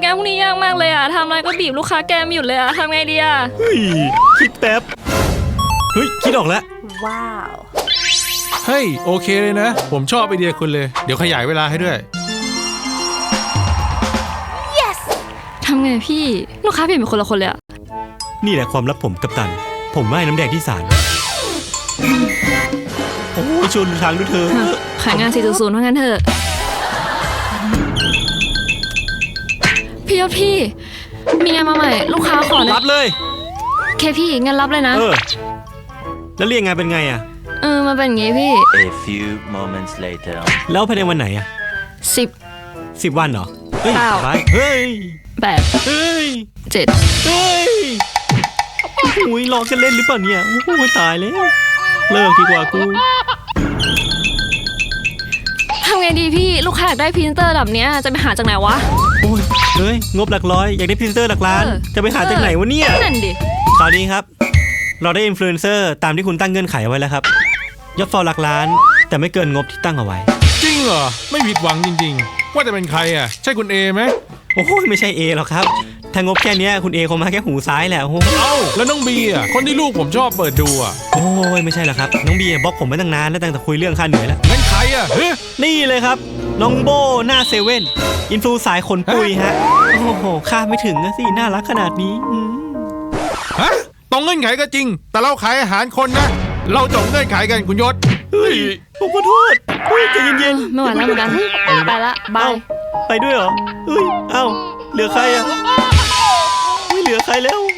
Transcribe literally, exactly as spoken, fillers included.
งานพวกนี้ยากมากเลยอะทำอะไรก็บีบลูกค้าแกไม่หยุดเลยอะทำไงดีอะเฮ้ยคิดแป๊บเฮ้ยคิดออกแล้วว้าวเฮ้ยโอเคเลยนะผมชอบไอเดียคุณเลยเดี๋ยวขยายเวลาให้ด้วย yes ทำไงพี่ลูกค้าเปลี่ยนเป็นคนละคนเลยอะนี่แหละความลับผมกัปตันผมว่ายน้ำแดงที่ศาลโอ้ยชวนทางด้วยเธอขายงาน สี่จุดศูนย์ ว่างั้นเถอะพี่ยศพี่มีงานมาใหม่ลูกค้าขอรับเลยเคพี่งั้นรับเลยนะเออแล้วเรียกงานเป็นไงอะเออมาเป็นอย่างงี้พี่ A few moments later แล้วภายในวันไหนอะสิบสิบวันเหรอเฮ้ยเฮ้ยแปดเฮ้ยเจ็ดเฮ้ยโอ้ยลองกันเล่นหรือเปล่าเนี่ยโอ้ยตายแล้วเลิกดีกว่ากูทำไงดีพี่ลูกค้าอยากได้พรีเซนเตอร์แบบนี้จะไปหาจากไหนวะโอ้ยเฮ้ยงบหลักร้อยอยากได้พรีเซนเตอร์หลักล้านจะไปหาจากไหนวะเนี่ยนั่นดิคราวนี้ครับเราได้อินฟลูเอนเซอร์ตามที่คุณตั้งเงื่อนไขเอาไว้แล้วครับยอดฟอลหลักล้านแต่ไม่เกินงบที่ตั้งเอาไว้จริงเหรอไม่ผิดหวังจริงๆว่าจะเป็นใครอ่ะใช่คุณเอไหมโอ้ยไม่ใช่เอหรอกครับถ้างบแค่นี้คุณเอคงมาแค่หูซ้ายแหละโอ้เอ้าแล้วน้องบีอ่ะคนที่ลูกผมชอบเปิดดูอ่ะโอ้ยไม่ใช่หรอกครับน้องบีบล็อกผมมาตั้งนานแล้วตั้งแต่คุยเรื่องค่าเหนื่อยแล้วนั่นใครอ่ะนี่เลยครับน้องโบหน้าเซเว่นอินฟลูสายขนปุยฮะโอ้โหคาดไม่ถึงนะสิน่ารักขนาดนี้ฮะตรงเงื่อนไขก็จริงแต่เราขายอาหารคนนะเราจบเงื่อนไขกันคุณยศเฮ้ยผมขอโทษเฮ้ยใจเย็นๆไม่ไหวแล้วเหมือนกันไปละบายไปด้วยเหรอเฮ้ยเอ้าเหลือใครอ่ะไม่เหลือใครแล้ว